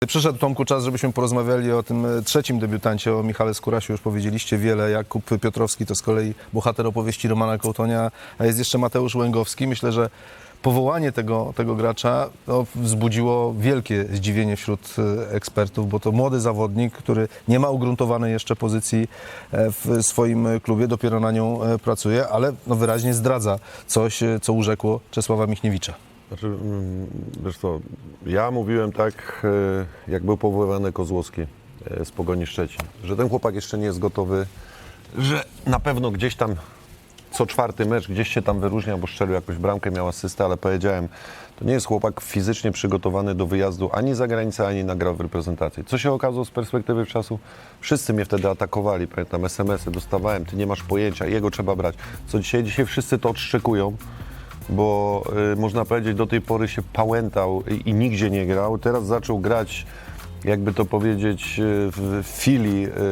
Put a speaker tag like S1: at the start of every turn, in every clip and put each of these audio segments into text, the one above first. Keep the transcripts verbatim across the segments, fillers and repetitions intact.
S1: Przyszedł, Tomku, czas, żebyśmy porozmawiali o tym trzecim debiutancie, o Michale Skurasiu. Już powiedzieliście wiele. Jakub Piotrowski to z kolei bohater opowieści Romana Kołtonia, a jest jeszcze Mateusz Łęgowski. Myślę, że powołanie tego, tego gracza no, wzbudziło wielkie zdziwienie wśród ekspertów, bo to młody zawodnik, który nie ma ugruntowanej jeszcze pozycji w swoim klubie, dopiero na nią pracuje, ale no, wyraźnie zdradza coś, co urzekło Czesława Michniewicza.
S2: Znaczy, wiesz co, ja mówiłem tak, jak był powoływany Kozłowski z Pogoni Szczecin, że ten chłopak jeszcze nie jest gotowy, że na pewno gdzieś tam co czwarty mecz gdzieś się tam wyróżnia, bo strzelił jakąś bramkę, miał asystę, ale powiedziałem, to nie jest chłopak fizycznie przygotowany do wyjazdu ani za granicę, ani na grę w reprezentacji. Co się okazało z perspektywy czasu? Wszyscy mnie wtedy atakowali, pamiętam, es em esy dostawałem, ty nie masz pojęcia, jego trzeba brać. Co dzisiaj? Dzisiaj wszyscy to odszczekują, bo y, można powiedzieć, do tej pory się pałętał i, i nigdzie nie grał. Teraz zaczął grać, jakby to powiedzieć, w Filii y,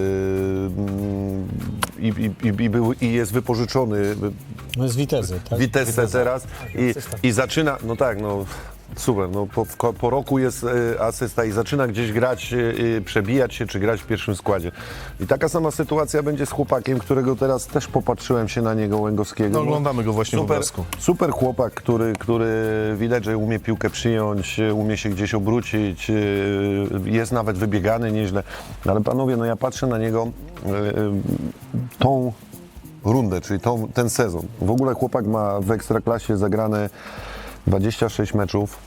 S2: y, y, y, y, był, i jest wypożyczony.
S3: No jest Witezy, tak?
S2: Witesse teraz i, i zaczyna, no tak, no super, no po, po roku jest y, asysta i zaczyna gdzieś grać, y, przebijać się, czy grać w pierwszym składzie. I taka sama sytuacja będzie z chłopakiem, którego teraz też popatrzyłem się na niego, Łęgowskiego.
S1: No, oglądamy go właśnie
S2: super,
S1: w obrazku.
S2: Super chłopak, który, który widać, że umie piłkę przyjąć, umie się gdzieś obrócić, y, jest nawet wybiegany nieźle. Ale panowie, no ja patrzę na niego y, y, tą rundę, czyli tą, ten sezon. W ogóle chłopak ma w Ekstraklasie zagrane dwadzieścia sześć meczów.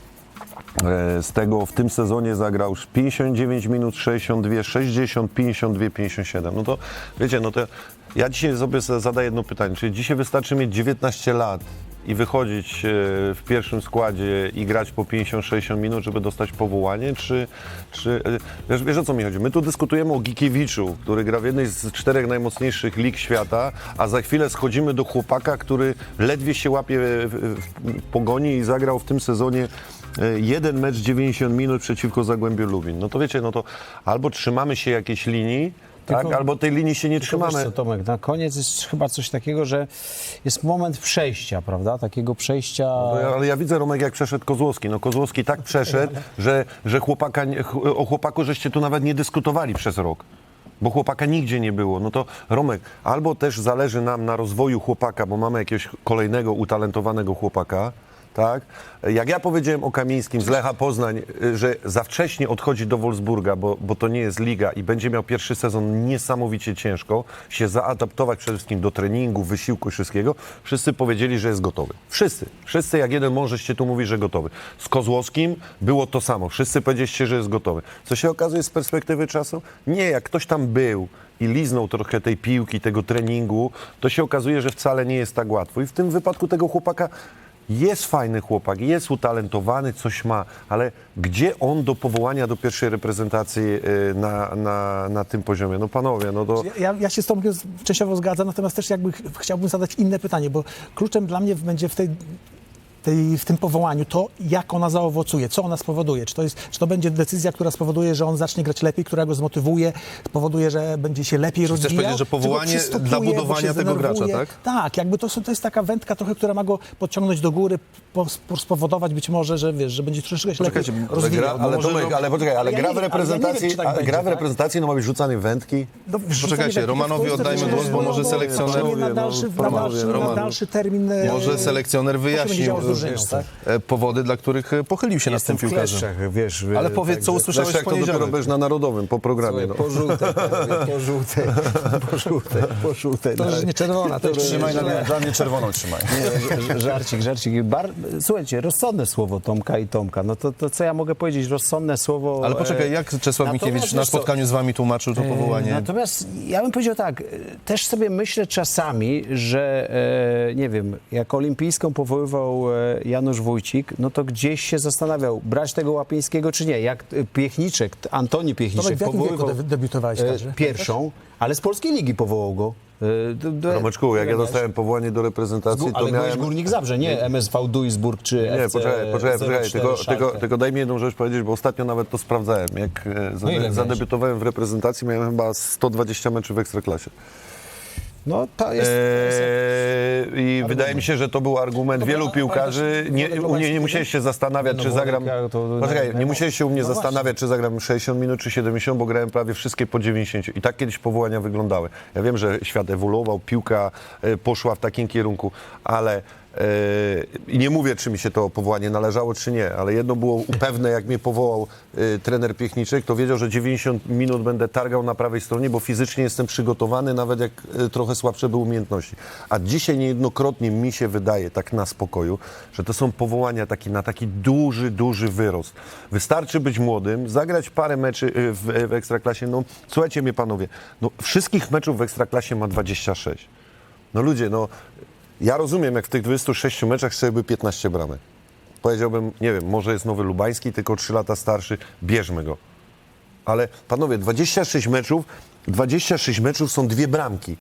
S2: Z tego w tym sezonie zagrał pięćdziesiąt dziewięć minut, sześćdziesiąt dwa, sześćdziesiąt, pięćdziesiąt dwa, pięćdziesiąt siedem. No to wiecie, no to ja dzisiaj sobie zadaję jedno pytanie. Czy dzisiaj wystarczy mieć dziewiętnaście lat i wychodzić w pierwszym składzie i grać po pięćdziesiąt sześćdziesiąt minut, żeby dostać powołanie? Czy, czy wiesz, wiesz o co mi chodzi? My tu dyskutujemy o Gikiewiczu, który gra w jednej z czterech najmocniejszych lig świata, a za chwilę schodzimy do chłopaka, który ledwie się łapie w, w Pogoni i zagrał w tym sezonie jeden mecz dziewięćdziesiąt minut przeciwko Zagłębiu Lubin. No to wiecie, no to albo trzymamy się jakiejś linii, tak,
S3: Tylko,
S2: albo tej linii się nie trzymamy.
S3: Wiesz co, Tomek, na koniec jest chyba coś takiego, że jest moment przejścia, prawda? Takiego przejścia...
S2: No, ale ja widzę, Romek, jak przeszedł Kozłowski. No Kozłowski tak przeszedł, że, że chłopaka, o chłopaku żeście tu nawet nie dyskutowali przez rok. Bo chłopaka nigdzie nie było. No to Romek, albo też zależy nam na rozwoju chłopaka, bo mamy jakiegoś kolejnego utalentowanego chłopaka, tak? Jak ja powiedziałem o Kamińskim z Lecha Poznań, że za wcześnie odchodzi do Wolfsburga, bo, bo to nie jest liga i będzie miał pierwszy sezon niesamowicie ciężko, się zaadaptować przede wszystkim do treningu, wysiłku i wszystkiego, wszyscy powiedzieli, że jest gotowy. Wszyscy. Wszyscy jak jeden mążeście tu mówi, że gotowy. Z Kozłowskim było to samo. Wszyscy powiedzieliście, że jest gotowy. Co się okazuje z perspektywy czasu? Nie, jak ktoś tam był i liznął trochę tej piłki, tego treningu, to się okazuje, że wcale nie jest tak łatwo. I w tym wypadku tego chłopaka jest fajny chłopak, jest utalentowany, coś ma, ale gdzie on do powołania do pierwszej reprezentacji na, na, na tym poziomie? No panowie, no to...
S4: Ja, ja się z Tomkiem częściowo zgadzam, natomiast też jakby ch- chciałbym zadać inne pytanie, bo kluczem dla mnie będzie w tej... Tej, w tym powołaniu, to jak ona zaowocuje, co ona spowoduje, czy to, jest, czy to będzie decyzja, która spowoduje, że on zacznie grać lepiej, która go zmotywuje, spowoduje, że będzie się lepiej
S1: Chcesz
S4: rozwijał.
S1: powiedzieć, że powołanie
S4: czy go
S1: dla budowania
S4: bo się
S1: tego gracza,
S4: zdenerwuje.
S1: tak?
S4: Tak, jakby to, to jest taka wędka trochę, która ma go podciągnąć do góry, po, po, spowodować być może, że wiesz, że będzie troszeczkę się lepiej
S1: Poczekajcie,
S4: rozwijał.
S2: Ale,
S4: Może-
S2: Tomek, ale poczekaj, ale
S4: Ja
S2: gra
S4: nie
S2: w
S4: wiem, ale ja nie wiem,
S2: reprezentacji,
S4: czy tak
S2: a
S4: będzie,
S2: gra w
S4: tak?
S2: reprezentacji no ma być rzucany wędki.
S4: No,
S1: Poczekajcie,
S4: wrzucanie
S1: Romanowi
S4: wędki w Polsce
S1: oddajmy
S4: to
S1: głos, bo
S4: jest
S1: może
S4: wolno,
S1: selekcjoner-
S4: wolno na dalszy, na
S1: Roman,
S4: dalszy, na
S1: Roman.
S4: dalszy termin. e,
S1: Może selekcjoner
S4: co się będzie
S1: wyjaśnił
S4: działo z drużyną, tak?
S1: e, powody, dla których e, pochylił się nad tym
S3: Jestem w
S1: piłkarzem.
S3: kleszczach, wiesz.
S1: Ale
S3: y,
S1: powiedz, co
S3: także-
S1: usłyszałeś
S2: Zresztą
S1: w
S2: jak to dopiero
S1: poniedziałek.
S2: będziesz na Narodowym, po programie.
S3: Słuchaj,
S2: No.
S3: po żółte, po żółte, po żółte, po żółte.
S4: To już nie czerwona, to już
S5: Trzymaj na, dla mnie czerwoną trzymaj.
S3: Nie, żarcik, żarcik. Bar... Słuchajcie, rozsądne słowo Tomka i Tomka. No to, to co ja mogę powiedzieć? Rozsądne słowo...
S1: Ale poczekaj, jak Czesław
S3: Natomiast
S1: Michniewicz na
S3: wiesz co,
S1: spotkaniu z wami tłumaczył to powołanie?
S3: Natomiast ja bym powiedział tak, e, też sobie myślę czasami, że e, nie wiem, jak olimpijską powoływał e, Janusz Wójcik, no to gdzieś się zastanawiał, brać tego Łapińskiego czy nie. Jak e, Piechniczek, Antoni Piechniczek
S4: Tomek, w jakim wieku
S3: powoływał
S4: de- debiutowałeś
S3: e,
S4: także?
S3: pierwszą, ale z polskiej ligi powołał go. E, do- do-
S2: Romeczku, jak ja dostałem powołanie do reprezentacji,
S3: Gu-
S2: to
S3: ale miałem...
S2: miałem...
S3: Górnik Zabrze, nie M S V Duisburg czy
S2: Nie,
S3: F C
S2: poczekaj, poczekaj,
S3: zero
S2: poczekaj.
S3: cztery
S2: Tylko,
S3: Schalke.
S2: tylko, tylko daj mi jedną rzecz powiedzieć, bo ostatnio nawet to sprawdzałem. Jak e,
S3: No ile
S2: zade,
S3: miałeś?
S2: zadebiutowałem w reprezentacji, miałem chyba sto dwadzieścia meczów w Ekstraklasie.
S3: No to jest... To jest
S2: Eee, I wydaje mi się, że to był argument
S4: Dobra,
S2: wielu
S4: ale
S2: piłkarzy.
S4: pamiętasz
S2: Nie,
S4: Wodek
S2: u mnie nie
S4: Lobańskiego?
S2: musiałeś się zastanawiać,
S3: No,
S2: czy
S3: Wodek,
S2: zagram.
S3: jak to-
S2: Poczekaj,
S3: no,
S2: nie musiałeś się u mnie
S4: no właśnie.
S2: zastanawiać, czy zagram sześćdziesiąt minut, czy siedemdziesiąt, bo grałem prawie wszystkie po dziewięćdziesiąt. I tak kiedyś powołania wyglądały. Ja wiem, że świat ewoluował, piłka e, poszła w takim kierunku, ale i nie mówię, czy mi się to powołanie należało, czy nie, ale jedno było pewne, jak mnie powołał y, trener Piechniczek, to wiedział, że dziewięćdziesiąt minut będę targał na prawej stronie, bo fizycznie jestem przygotowany, nawet jak y, trochę słabsze były umiejętności. A dzisiaj niejednokrotnie mi się wydaje, tak na spokoju, że to są powołania taki, na taki duży, duży wyrost. Wystarczy być młodym, zagrać parę meczy y, w, w Ekstraklasie. No, słuchajcie mnie panowie, no, wszystkich meczów w Ekstraklasie ma dwadzieścia sześć. No ludzie, no... Ja rozumiem, jak w tych dwudziestu sześciu meczach strzeliłby piętnaście bramek. Powiedziałbym, nie wiem, może jest nowy Lubański, tylko trzy lata starszy, bierzmy go. Ale panowie, dwadzieścia sześć meczów, dwadzieścia sześć meczów są dwie bramki.